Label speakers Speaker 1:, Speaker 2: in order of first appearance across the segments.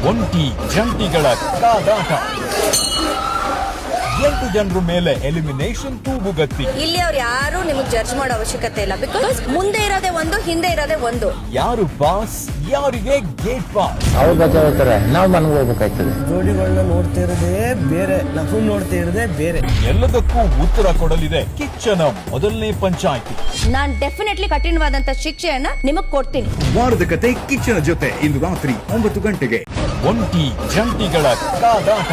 Speaker 1: ಒಂಟಿ ಜಂಟಿಗಳ ಕಾದಾಟ 8 ಜನರ ಮೇಲೆ ಎಲಿಮಿನೇಷನ್ ತೂಗುಗತ್ತಿ.
Speaker 2: ಇಲ್ಲಿ ಅವ್ರು ಯಾರು ನಿಮಗೆ ಜಡ್ಜ್ ಮಾಡೋ ಅವಶ್ಯಕತೆ ಇಲ್ಲ. ಬಿಕಾಸ್ ಮುಂದೆ ಇರೋದೇ ಒಂದು, ಹಿಂದೆ ಇರೋದೇ ಒಂದು.
Speaker 1: ಯಾರು ಬಾಸ್, ಯಾರಿಗೆ ಗೇಟ್ ಪಾಸ್.
Speaker 3: ಅವ್ರು ಬಚಾವ್ತಾರೆ, ನಾವು ಮನೆಗೆ ಹೋಗ್ಬೇಕಾಗ್ತದೆ.
Speaker 4: ಜೋಡಿಗಳನ್ನ ನೋಡ್ತಾ ಇರೋದೇ ಬೇರೆ, ನಾವು ನೋಡ್ತಾ ಇರೋದೇ ಬೇರೆ.
Speaker 1: ಎಲ್ಲದಕ್ಕೂ ಉತ್ತರ ಕೊಡಲಿದೆ ಕಿಚ್ಚನ ಮೊದಲನೇ ಪಂಚಾಯಿತಿ.
Speaker 2: ನಾನ್ ಡೆಫಿನೆಟ್ಲಿ ಕಠಿಣವಾದಂತ ಶಿಕ್ಷೆಯನ್ನ ನಿಮಗ್ ಕೊಡ್ತೀನಿ.
Speaker 5: ವಾರದ ಕತೆ ಕಿಚ್ಚನ ಜೊತೆ ಇಂದು ರಾತ್ರಿ 9 ಗಂಟೆಗೆ.
Speaker 1: ಒಂಟಿ ಜಂಟಿಗಳ ಕಾದಾಟ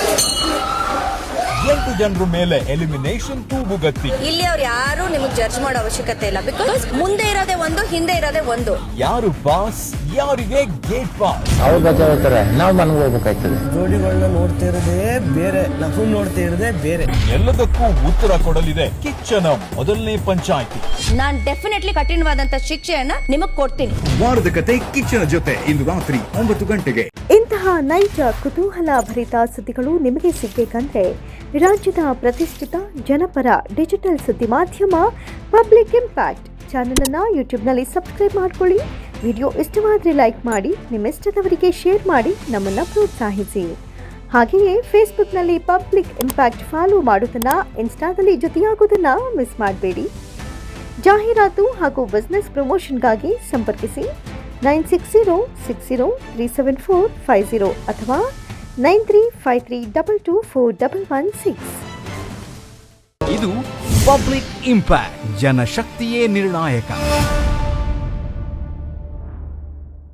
Speaker 1: 8 ಜನರ ಮೇಲೆ ಎಲಿಮಿನೇಷನ್ ತೂಗುಗತ್ತಿ.
Speaker 2: ಇಲ್ಲಿ ಅವ್ರು ಯಾರು ನಿಮಗೆ ಜಡ್ಜ್ ಮಾಡೋ ಅವಶ್ಯಕತೆ ಇಲ್ಲ. ಬಿಕಾಸ್ ಮುಂದೆ ಇರೋದೇ ಒಂದು, ಹಿಂದೆ ಇರೋದೇ ಒಂದು.
Speaker 1: ಯಾರು ಬಾಸ್, ಯಾರಿಗೆ ಗೇಟ್ ಪಾಸ್.
Speaker 3: ಅವ್ರು ಬಚಾವ್ತಾರೆ, ನಾವು ಮನೆಗೆ ಹೋಗ್ಬೇಕಾಗ್ತದೆ.
Speaker 4: ಜೋಡಿಗಳನ್ನ ನೋಡ್ತಾ ಇರೋದೇ ಬೇರೆ, ನಾವು ನೋಡ್ತಾ ಇರೋದೇ ಬೇರೆ.
Speaker 1: ಎಲ್ಲದಕ್ಕೂ ಉತ್ತರ ಕೊಡಲಿದೆ ಕಿಚ್ಚನ ಮೊದಲನೇ ಪಂಚಾಯಿತಿ.
Speaker 2: ನಾನ್ ಡೆಫಿನೆಟ್ಲಿ ಕಠಿಣವಾದಂತ ಶಿಕ್ಷೆಯನ್ನ ನಿಮಗ್ ಕೊಡ್ತೀನಿ.
Speaker 5: ವಾರದ ಕತೆ ಕಿಚ್ಚನ ಜೊತೆ ಇಂದು ರಾತ್ರಿ 9 ಗಂಟೆಗೆ.
Speaker 6: ಇಂತಹ ನೈಜ ಕುತೂಹಲ ಭರಿತ ಸುದ್ದಿಗಳು ನಿಮಗೆ ಸಿಗಬೇಕಂದ್ರೆ ರಾಜ್ಯದ ಪ್ರತಿಷ್ಠಿತ ಜನಪರ ಡಿಜಿಟಲ್ ಸುದ್ದಿ ಮಾಧ್ಯಮ ಪಬ್ಲಿಕ್ ಇಂಪ್ಯಾಕ್ಟ್ ಚಾನೆಲ್ ಅನ್ನು ಯೂಟ್ಯೂಬ್ನಲ್ಲಿ ಸಬ್ಸ್ಕ್ರೈಬ್ ಮಾಡ್ಕೊಳ್ಳಿ. ವಿಡಿಯೋ ಇಷ್ಟವಾದರೆ ಲೈಕ್ ಮಾಡಿ, ನಿಮ್ಮ ಇಷ್ಟದವರಿಗೆ ಶೇರ್ ಮಾಡಿ ನಮ್ಮನ್ನು ಪ್ರೋತ್ಸಾಹಿಸಿ. ಹಾಗೆಯೇ ಫೇಸ್ಬುಕ್ನಲ್ಲಿ ಪಬ್ಲಿಕ್ ಇಂಪ್ಯಾಕ್ಟ್ ಫಾಲೋ ಮಾಡೋದನ್ನು, ಇನ್ಸ್ಟಾದಲ್ಲಿ ಜೊತೆಯಾಗೋದನ್ನು ಮಿಸ್ ಮಾಡಬೇಡಿ. ಜಾಹೀರಾತು ಹಾಗೂ ಬಿಸ್ನೆಸ್ ಪ್ರಮೋಷನ್ಗಾಗಿ ಸಂಪರ್ಕಿಸಿ 9606037450 ಅಥವಾ 9353224116.
Speaker 7: ಇದು ಪಬ್ಲಿಕ್ ಇಂಪ್ಯಾಕ್ಟ್, ಜನಶಕ್ತಿಯೇ ನಿರ್ಣಾಯಕ.